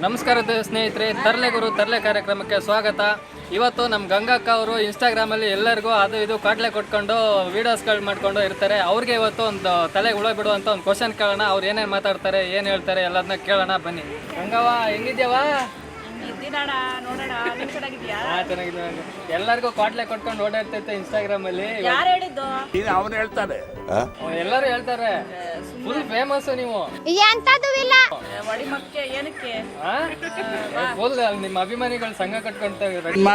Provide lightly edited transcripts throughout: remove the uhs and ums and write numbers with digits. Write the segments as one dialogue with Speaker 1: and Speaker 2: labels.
Speaker 1: ನಮಸ್ಕಾರ ಸ್ನೇಹಿತರೆ, ತರಲೆ ಗುರು ತರಲೆ ಕಾರ್ಯಕ್ರಮಕ್ಕೆ ಸ್ವಾಗತ. ಇವತ್ತು ನಮ್ಮ ಗಂಗಕ್ಕ ಅವರು ಇನ್ಸ್ಟಾಗ್ರಾಮಲ್ಲಿ ಎಲ್ಲರಿಗೂ ಅದು ಇದು ಕಾಟ್ಲೆ ಕೊಟ್ಕೊಂಡು ವೀಡಿಯೋಸ್ಗಳು ಮಾಡ್ಕೊಂಡು ಇರ್ತಾರೆ. ಅವ್ರಿಗೆ ಇವತ್ತು ಒಂದು ತಲೆಗೆ ಹುಳ ಬಿಡುವಂಥ ಒಂದು ಕ್ವಶನ್ ಕೇಳೋಣ. ಅವ್ರು ಏನೇನು ಮಾತಾಡ್ತಾರೆ, ಏನು ಹೇಳ್ತಾರೆ ಎಲ್ಲದನ್ನ ಕೇಳೋಣ. ಬನ್ನಿ. ಗಂಗವ್ವ, ಹೆಂಗಿದ್ಯಾವ? ಚೆನ್ನಾಗಿದ್ಯಾ? ಎಲ್ಲರಿಗೂ ಕಾಟ್ಲೆ ಕೊಟ್ಕೊಂಡು ಓಡಾಡ್ತೈತೆ ಇನ್ಸ್ಟಾಗ್ರಾಮ್ ಅಲ್ಲಿ.
Speaker 2: ಅವನು ಹೇಳ್ತಾನೆ,
Speaker 1: ಎಲ್ಲರೂ ಹೇಳ್ತಾರೆ ಫುಲ್ ಫೇಮಸ್ ನೀವು. ಫುಲ್ ನಿಮ್ಮ ಅಭಿಮಾನಿಗಳು ಸಂಘ ಕಟ್ಕೊಂತ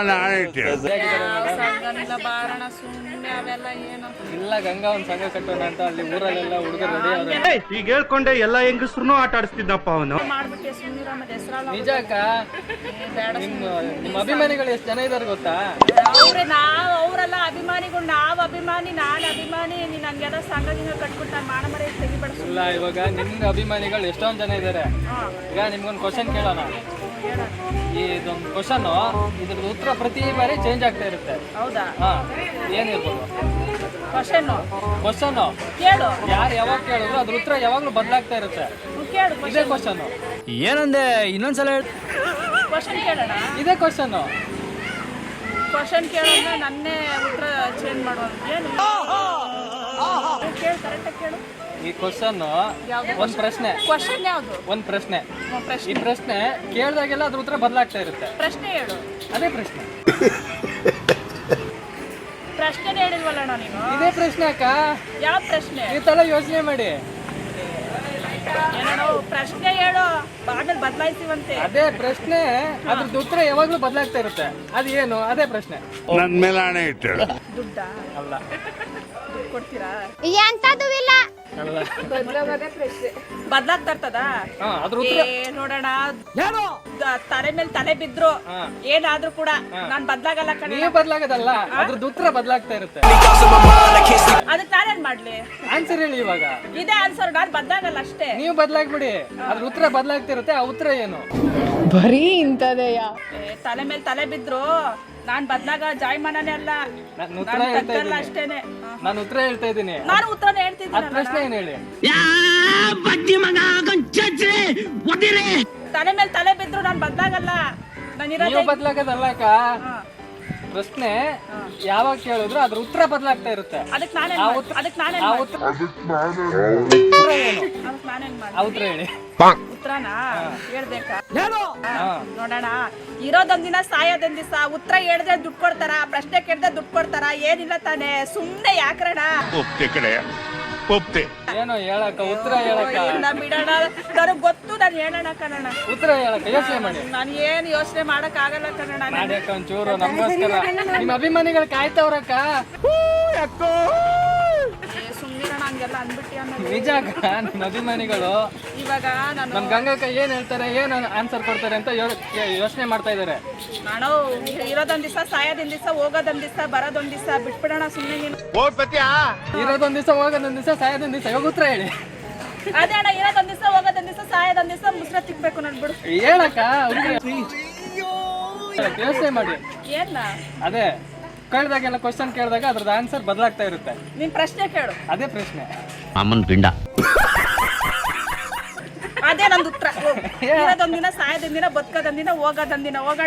Speaker 1: ಇಲ್ಲ ಗಂಗಾ ಒಂದ್ ಸಂಘ ಕಟ್ಟೋಣ ಅಂತ ಅಲ್ಲಿ ಊರಲ್ಲೆಲ್ಲ ಹುಡುಗರು ರೆಡಿ.
Speaker 3: ಈಗ ಹೇಳ್ಕೊಂಡೆ ಎಲ್ಲ ಹೆಂಗಸ್ರು ಆಟ ಆಡಿಸ್ತಿದ್ದಪ್ಪ ಅವನು.
Speaker 1: ನಿಜ ಅಕ್ಕ, ನಿಮ್ಮ ಅಭಿಮಾನಿಗಳು ಎಷ್ಟು ಜನ ಇದಾರೆ ಗೊತ್ತಾ?
Speaker 4: ಅವರೆಲ್ಲ ಅಭಿಮಾನಿಗಳು, ನಾವ್ ಅಭಿಮಾನಿ, ನಾನ್ ಅಭಿಮಾನಿ. ನೀನ್ ಹಂಗೆಲ್ಲ ಸಂಘ ಕಟ್ಬಿಟ್ಟು ನಾನು ಮಾಡಮರೆ ತೆಗಿಬೇಡ.
Speaker 1: ಇಲ್ಲ, ಇವಾಗ ನಿಮ್ಗೆ ಅಭಿಮಾನಿಗಳು ಎಷ್ಟೊಂದ್ ಜನ ಇದಾರೆ. ಈಗ ನಿಮ್ಗೊಂದು ಕ್ವಶನ್ ಕೇಳೋಣ. ಇದೊಂದು ಕ್ವಶನ್, ಇದ್ರದ್ದು ಉತ್ತರ ಪ್ರತಿ ಬಾರಿ ಚೇಂಜ್ ಆಗ್ತಾ ಇರುತ್ತೆ.
Speaker 4: ಹೌದಾ?
Speaker 1: ಹಾ, ಏನಿರ್ಬೋದು
Speaker 4: ಕ್ವಶನ್
Speaker 1: ಕೇಳು. ಯಾರು ಯಾವಾಗ ಕೇಳಿದ್ರು ಅದ್ರ ಉತ್ತರ ಯಾವಾಗ್ಲೂ ಬದಲಾಗ್ತಾ ಇರುತ್ತೆ. ಇದೇ ಕ್ವಶನ್.
Speaker 5: ಏನಂದೆ? ಇನ್ನೊಂದ್ಸಲ
Speaker 4: ಕ್ವಶನ್ ಕೇಳೋಣ.
Speaker 1: ಇದೇ ಕ್ವಶನ್
Speaker 4: ಕೇಳೋಣ. ನನ್ನೇ ಉತ್ತರ ಚೇಂಜ್ ಮಾಡುವ. ಏನು ಕೇಳು, ಕರೆಕ್ಟಾಗಿ ಕೇಳು.
Speaker 1: ಈ ಕ್ವಶನ್ ಒಂದ್ ಪ್ರಶ್ನೆ.
Speaker 4: ಕ್ವಶನ್ ಯಾವುದು?
Speaker 1: ಒಂದ್ ಪ್ರಶ್ನೆ. ಈ ಪ್ರಶ್ನೆ ಕೇಳಿದಾಗೆಲ್ಲ ಅದ್ರ ಉತ್ತರ ಬದಲಾಗ್ತಾ ಇರುತ್ತೆ.
Speaker 4: ಪ್ರಶ್ನೆ ಹೇಳು.
Speaker 1: ಅದೇ ಪ್ರಶ್ನೆ.
Speaker 4: ಪ್ರಶ್ನೆ ಹೇಳಿಲ್ವಲ್ಲ ನೀನು?
Speaker 1: ಇದೇ ಪ್ರಶ್ನೆ ಅಕ್ಕ.
Speaker 4: ಯಾವ ಪ್ರಶ್ನೆ?
Speaker 1: ಈ ತರ ಯೋಚನೆ ಮಾಡಿ.
Speaker 4: ಏನೋ ಪ್ರಶ್ನೆ ಹೇಳು, ಆಮೇಲೆ ಬದಲಾಯಿಸಿವಂತೆ.
Speaker 1: ಅದೇ ಪ್ರಶ್ನೆ, ಅದ್ರದ್ದು ಉತ್ತರ ಯಾವಾಗ್ಲೂ ಬದಲಾಗ್ತಾ ಇರುತ್ತೆ. ಅದು ಏನು? ಅದೇ ಪ್ರಶ್ನೆ.
Speaker 2: ನನ್ ಮೇಲೆ ಹಣೆ ಇಟ್ಟಳು.
Speaker 4: ದುಡ್ಡ
Speaker 1: ಅಲ್ಲ.
Speaker 4: ದುಡ್ಡು ಕೊಡ್ತೀರಾ?
Speaker 1: ಅಲ್ಲ.
Speaker 4: ಬದಲಾಗ್ತಾ ಇರ್ತದ?
Speaker 1: ಅದ್ರ ಉತ್ತರ
Speaker 4: ನೋಡೋಣ. ತಲೆ ಮೇಲೆ ತಲೆ ಬಿದ್ರು ಏನಾದ್ರೂ ಕೂಡ ನಾನ್ ಬದ್ಲಾಗಲ್ಲ ಕಣೆ.
Speaker 1: ನೀವು ಬದಲಾಗದಲ್ಲ, ಅದ್ರದ್ದು ಉತ್ತರ ಬದಲಾಗ್ತಾ ಇರುತ್ತೆ.
Speaker 4: ಅದಕ್ಕೆ ನಾನೇನ್ ಮಾಡ್ಲಿ?
Speaker 1: ಆನ್ಸರ್ ಹೇಳಿ ಇವಾಗ.
Speaker 4: ಇದೇ ಆನ್ಸರ್. ನಾನ್ ಬದ್ಲಾಗಲ್ಲ ಅಷ್ಟೇ.
Speaker 1: ನೀವು ಬದಲಾಗ್ಬಿಡಿ, ಅದ್ರ ಉತ್ತರ ಬದಲಾಗ್ತಾ ಇರುತ್ತೆ. ಆ ಉತ್ತರ ಏನು?
Speaker 6: ಬರೀ ಇಂತದೆಯ.
Speaker 4: ತಲೆ ಮೇಲೆ ತಲೆ ಬಿದ್ರು ನಾನ್ ಬದ್ಲಾಗ ಜಾಯಮಾನನೇ ಅಲ್ಲ.
Speaker 1: ನಾನು ಉತ್ತರ ಹೇಳ್ತಾ ಇದ್ದೀನಿ.
Speaker 4: ಅಷ್ಟೇನೆ.
Speaker 1: ನಾನು ಉತ್ತರ ಹೇಳ್ತಾ ಇದ್ದೀನಿ.
Speaker 4: ನಾನು ಉತ್ತರನೇ
Speaker 1: ಅದ್
Speaker 4: ಹೇಳ್ತಿದ್ದೀನಿ.
Speaker 1: ಪ್ರಶ್ನೆ ಏನ್ ಹೇಳಿ?
Speaker 4: ತಲೆ ಮೇಲೆ ತಲೆ ಬಿದ್ರು ನಾನ್ ಬದ್ಲಾಗಲ್ಲ.
Speaker 1: ನೀವು ಬದಲಾಗದಲ್ಲ ಅಕ್ಕ. ಪ್ರಶ್ನೆ ಯಾವಾಗ ಕೇಳಿದ್ರು ಅದ್ರ ಉತ್ತರ ಬದಲಾಗ್ತಾ ಇರುತ್ತೆ.
Speaker 4: ಅದಕ್ಕೆ ನಾನೇನ್
Speaker 1: ಆ ಉತ್ತರ ಹೇಳಿ.
Speaker 4: ಉತ್ತರನ ಹೇಳ್ಬೇಕಾ? ನೋಡೋಣ. ಇರೋದೊಂದ್ ದಿನ ಸಾಯೋದೊಂದ್ ದಿವಸ. ಉತ್ತರ ಹೇಳಿದ್ರೆ ದುಡ್ಡು ಕೊಡ್ತಾರ, ಪ್ರಶ್ನೆ ಕೇಳಿದ್ರೆ ದುಡ್ಡು ಕೊಡ್ತಾರ? ಏನಿಲ್ಲ ತಾನೆ. ಸುಮ್ನೆ ಯಾಕ್ರಣ?
Speaker 1: ಏನೋ ಹೇಳಕ್ಕ, ಉತ್ತರ ಹೇಳಕ್ಕ.
Speaker 4: ಬಿಡೋಣ, ನನಗ್ ಗೊತ್ತು. ನಾನು ಹೇಳೋಣ ಕಣಣ.
Speaker 1: ಉತ್ತರ ಹೇಳಕ್ಕ, ಯೋಚನೆ ಮಾಡಿ.
Speaker 4: ನಾನು ಏನ್ ಯೋಚನೆ ಮಾಡಕ್ ಆಗಲ್ಲ ಕಣಣ.
Speaker 1: ಮಾಡ್ಯಕ್ಕ ಒಂಚೂರು ನಮಗೋಸ್ಕರ. ನಿಮ್ಮ ಅಭಿಮಾನಿಗಳು ಕಾಯ್ತವ್ರಕ್ಕ.
Speaker 4: ಸುಮ್ನಿರೋಣ, ಹಂಗೆಲ್ಲ ಅಂದ್ಬಿಟ್ಟಿ ಅನ್ನೋದು.
Speaker 1: ನಿಜ ಅಕ್ಕ, ನಿಮ್ಮ ಅಭಿಮಾನಿಗಳು
Speaker 4: ಇವಾಗ ನಾನು
Speaker 1: ನಮ್ ಗಂಗಕ್ಕ ಏನ್ ಹೇಳ್ತಾರೆ, ಏನ್ ಆನ್ಸರ್ ಕೊಡ್ತಾರೆ ಅಂತ ಯೋಚನೆ ಮಾಡ್ತಾ ಇದಾರೆ.
Speaker 4: ನಾನು ಇರೋದೊಂದ್ ದಿವಸ, ಸಾಯೋದೊಂದ್ ದಿವಸ, ಹೋಗೋದೊಂದ್ ದಿವಸ, ಬರೋದೊಂದ್ ದಿವಸ. ಬಿಟ್ಬಿಡೋಣ ಸುಮ್ನೆ ನೀನು.
Speaker 1: ಇರೋದೊಂದ್ ದಿವಸ, ಹೋಗೋದೊಂದ್ ದಿವಸ, ಸಾಯೋದೊಂದ್ ದಿವಸ. ಇವಾಗ ಉತ್ತರ ಹೇಳಿ.
Speaker 4: ಅದೇ ಅಣ್ಣ, ಇರೋದೊಂದ್ ದಿವಸ, ಹೋಗೋದೊಂದ್ ದಿವಸ, ಸಾಯೋದೊಂದ್ ದಿವಸ. ಮುಸ್ರ ತಿಕ್ಬೇಕು ನೋಡ್ಬಿಡು.
Speaker 1: ಹೇಳಕ್ಕ, ಯೋಚನೆ ಮಾಡಿ.
Speaker 4: ಏನ?
Speaker 1: ಅದೇ ಕೇಳಿದಾಗೆಲ್ಲ ಕ್ವಶನ್ ಕೇಳಿದಾಗ ಅದ್ರದ್ದು ಆನ್ಸರ್ ಬದಲಾಗ್ತಾ ಇರುತ್ತೆ.
Speaker 4: ನಿನ್ ಪ್ರಶ್ನೆ ಕೇಳು.
Speaker 1: ಅದೇ ಪ್ರಶ್ನೆ.
Speaker 5: ಅಮ್ಮನ್ ಪಿಂಡ.
Speaker 4: ಅದೇ ನಂದು ಉತ್ತರ. ಇರೋದೊಂದ್ ದಿನ, ಸಾಯೋದೊಂದ್ ದಿನ, ಬದುಕೋದೊಂದ್ ದಿನ, ಹೋಗೋದೊಂದ್ ದಿನ. ಹೋಗೋಣ.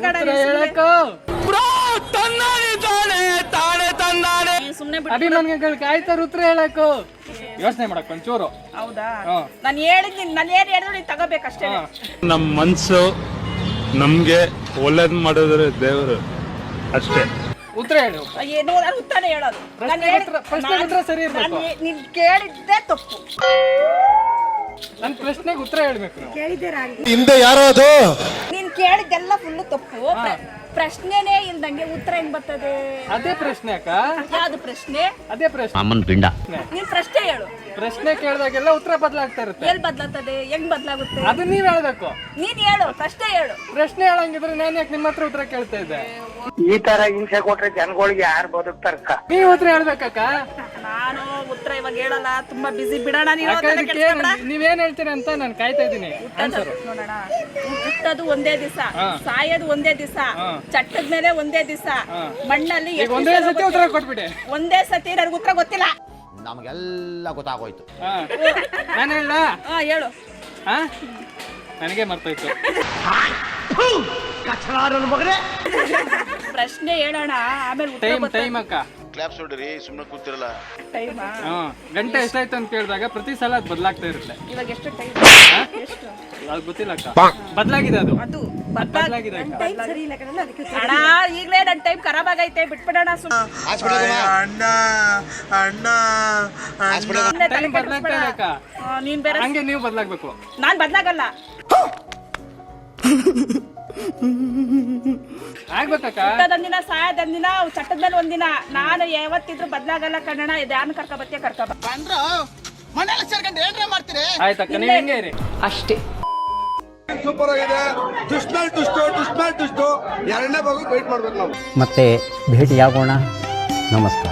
Speaker 4: ಸುಮ್ನೆ ಬಿಡು.
Speaker 1: ಅಭಿಮಾನಿಗಳು ಕಾಯ್ತಾರ ಉತ್ತರ ಹೇಳಕ್ಕು. ಯೋಚನೆ ಮಾಡಕ್ ಒಂಚೂರು.
Speaker 4: ಹೌದಾ? ನಾನು ಹೇಳಿದ್ದೀನಿ. ನಾನು ಏನ್ ಹೇಳಿದ್ರು ನೀನ್ ತಗೋಬೇಕಷ್ಟೇ.
Speaker 3: ನಮ್ ಮನ್ಸು ನಮ್ಗೆ ಒಳ್ಳೇದ್ ಮಾಡಿದ್ರೆ ದೇವರು ಅಷ್ಟೇ.
Speaker 1: ಉತ್ತರ ಹೇಳು.
Speaker 4: ಏನು? ನಾನು ಉತ್ತರ ಹೇಳೋದು.
Speaker 1: ಪ್ರಶ್ನೆ ಉತ್ತರ ಸರಿ ಇರ್ಬೇಕು.
Speaker 4: ನೀನ್ ಕೇಳಿದ್ದೆ ತಪ್ಪು.
Speaker 1: ನನ್ ಪ್ರಶ್ನೆಗೆ ಉತ್ತರ ಹೇಳ್ಬೇಕು.
Speaker 2: ಹಿಂದೆ ಯಾರೋ ಅದು
Speaker 4: ನೀನ್ ಕೇಳಿದ್ದೆಲ್ಲ ಫುಲ್ ತಪ್ಪು. ಪ್ರಶ್ನೆನೇ ಇಲ್ದಂಗೆ ಉತ್ತರ ಹೆಂಗ್ ಬರ್ತದೆ?
Speaker 1: ಅದೇ ಪ್ರಶ್ನೆ ಅಕ್ಕ.
Speaker 4: ಯಾವ್ದು ಪ್ರಶ್ನೆ?
Speaker 1: ಅದೇ ಪ್ರಶ್ನೆ.
Speaker 5: ಅಮ್ಮನ್ ಪಿಂಡ.
Speaker 4: ನೀನ್ ಪ್ರಶ್ನೆ ಹೇಳು.
Speaker 1: ಪ್ರಶ್ನೆ ಕೇಳಿದಾಗೆಲ್ಲ ಉತ್ತರ ಬದಲಾಗ್ತಾ ಇರುತ್ತೆ.
Speaker 4: ಎಲ್ಲಿ ಬದಲಾಗ್ತದೆ? ಹೆಂಗ್ ಬದಲಾಗುತ್ತೆ?
Speaker 1: ಅದು ನೀವ್ ಹೇಳ್ಬೇಕು.
Speaker 4: ನೀನ್ ಹೇಳು, ಪ್ರಶ್ನೆ ಹೇಳು.
Speaker 1: ಪ್ರಶ್ನೆ ಹೇಳಂಗಿದ್ರೆ ನಾನು ಯಾಕೆ ನಿಮ್ಮ ಹತ್ರ ಉತ್ತರ ಕೇಳ್ತಾ ಇದ್ದೆ?
Speaker 7: ಈ ತರ ಹಿಂಸೆ ಕೊಟ್ರೆ ಜನಗಳಿಗೆ ಯಾರು ಬದುಕ್ತಾರಕ್ಕ?
Speaker 1: ನೀವ್ ಉತ್ತರ ಹೇಳ್ಬೇಕಕ್ಕ.
Speaker 4: ನಾನು ಉತ್ತರ ಇವಾಗ ಹೇಳಲ್ಲ, ತುಂಬಾ ಬಿಸಿ. ಬಿಡೋಣ.
Speaker 1: ನೀವೇನ್ ಹೇಳ್ತೀರಿ ಅಂತ ನಾನು ಕಾಯ್ತಾ ಇದ್ದೀನಿ.
Speaker 4: ನೋಡೋಣ. ಹುಟ್ಟೋದು ಒಂದೇ ದಿವಸ, ಸಾಯೋದು ಒಂದೇ ದಿವಸ, ಚಟ್ಟದ ಮೇಲೆ ಒಂದೇ ದಿವಸ, ಮಣ್ಣಲ್ಲಿ
Speaker 1: ಒಂದೇ ಸತಿ ಉತ್ತರ ಕೊಟ್ಬಿಟ್ಟೆ.
Speaker 4: ಒಂದೇ ಸತಿ. ನನಗೆ ಉತ್ತರ ಗೊತ್ತಿಲ್ಲ.
Speaker 5: ನಮಗೆಲ್ಲ ಗೊತ್ತಾಗೋಯ್ತು.
Speaker 1: ನಾನು ಹೇಳ
Speaker 4: ಹೇಳು.
Speaker 1: ನನಗೆ ಮರ್ತೋಯ್ತು.
Speaker 4: ಪ್ರಶ್ನೆ ಹೇಳೋಣ ಆಮೇಲೆ ಉತ್ತರ
Speaker 1: ಟೈಮ್ ಅಕ್ಕ.
Speaker 8: ಕ್ಲಾಪ್ಸ್ ಹೊಡ್ರಿ ಸುಮ್ಮನೆ ಕೂತಿರಲ್ಲ.
Speaker 4: ಟೈಮಾ
Speaker 1: ಗಂಟೆ ಎಷ್ಟಾಯ್ತು ಅಂತ ಕೇಳಿದಾಗ ಪ್ರತಿ ಸಲ ಅದು ಬದಲಾಗ್ತಾ ಇರುತ್ತೆ.
Speaker 4: ಇವಾಗ ಎಷ್ಟು ಟೈಮ್ ಎಷ್ಟು
Speaker 1: ಅದು ಗೊತ್ತಿಲ್ಲ ಅಕ್ಕ, ಬದಲಾಗಿದೆ ಅದು ಬದಲಾಗಿದೆ ಅಕ್ಕ.
Speaker 4: ಅಣ್ಣ ಈಗಲೇ ನನ್ನ ಟೈಮ್ ಖರಾಬ್ ಆಗೈತೆ, ಬಿಟ್ಬಿಡೋಣ
Speaker 1: ಟೈಮ್ ಬದಲಾಗ್ತಾ ಇದೆ ಅಕ್ಕ.
Speaker 4: ನೀನ್ ಬೇರೆ
Speaker 1: ಹಂಗೆ ನೀವು ಬದಲಾಗ್ಬೇಕು.
Speaker 4: ನಾನ್ ಬದ್ಲಾಗಲ್ಲ.
Speaker 1: ಆಗ್ಬೇಕಕ್ಕ.
Speaker 4: ಹುಟ್ಟೋದೊಂದಿನ ಸಾಯೋದೊಂದಿನ ಚಟ್ಟದ ಮೇಲೆ ಒಂದಿನ. ನಾನು ಯಾವತ್ತಿದ್ರು ಬದ್ಲಾಗಲ್ಲ ಕನ್ನಡ. ಧ್ಯಾನ ಕರ್ಕೊಬತ್ತೀಯ ಕರ್ಕೊಬ
Speaker 1: ಆಯ್ತಕ್ಕ, ನೀವು ಹಿಂಗೆ ಇರಿ
Speaker 6: ಅಷ್ಟೇ.
Speaker 2: ಸೂಪರ್ ಆಗಿದೆ. ದುಷ್ಟು ಎರಡನೇ ಭಾಗ ವೇಟ್ ಮಾಡ್ಬೇಕು ನಾವು.
Speaker 5: ಮತ್ತೆ ಭೇಟಿಯಾಗೋಣ. ನಮಸ್ಕಾರ.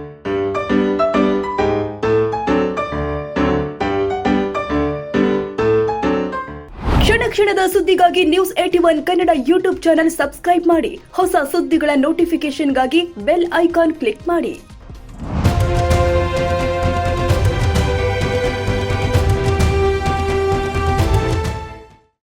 Speaker 9: ಕ್ಷಣ ಕ್ಷಣದ ಸುದ್ದಿಗಾಗಿ news 81 Kannada YouTube channel subscribe ಮಾಡಿ. ಹೊಸ ಸುದ್ದಿಗಳ ನೋಟಿಫಿಕೇಶನ್ಗಾಗಿ ಬೆಲ್ ಐಕಾನ್ ಕ್ಲಿಕ್ ಮಾಡಿ.